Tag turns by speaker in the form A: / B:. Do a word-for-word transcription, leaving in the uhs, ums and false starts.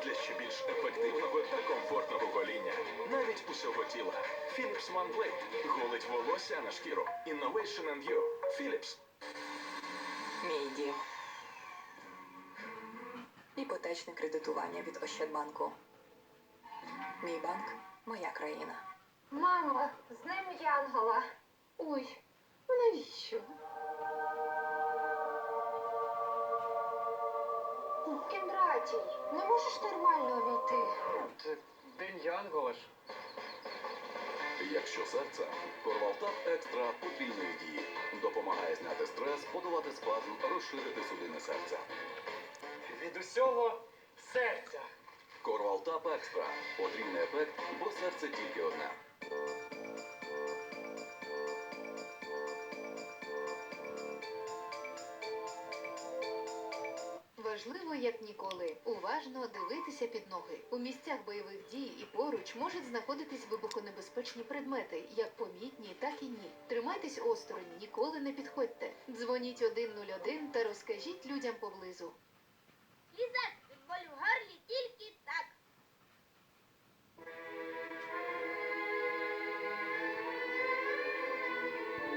A: для ще більш ефективного та комфортного гоління. Навіть усього тіла. Philips OneBlade голить волосся на шкіру. Innovation and you. Philips.
B: Мій дім. Іпотечне кредитування від Ощадбанку. Мій банк – моя країна.
C: Мамо, з ним Янгола. Ой, ну навіщо? Кіндратій, не можеш нормально увійти?
D: Це День Янгола ж.
A: Якщо серце, Корвалтап Екстра потрійної дії. Допомагає зняти стрес, подолати спазм, розширити судини серця.
D: Від усього серця.
A: Корвалтап Екстра. Потрійний ефект, бо серце тільки одне.
E: Важливо, як ніколи, уважно дивитися під ноги. У місцях бойових дій і поруч можуть знаходитись вибухонебезпечні предмети, як помітні, так і ні. Тримайтесь осторонь, ніколи не підходьте. Дзвоніть один нуль один та розкажіть людям поблизу.
F: Ліза,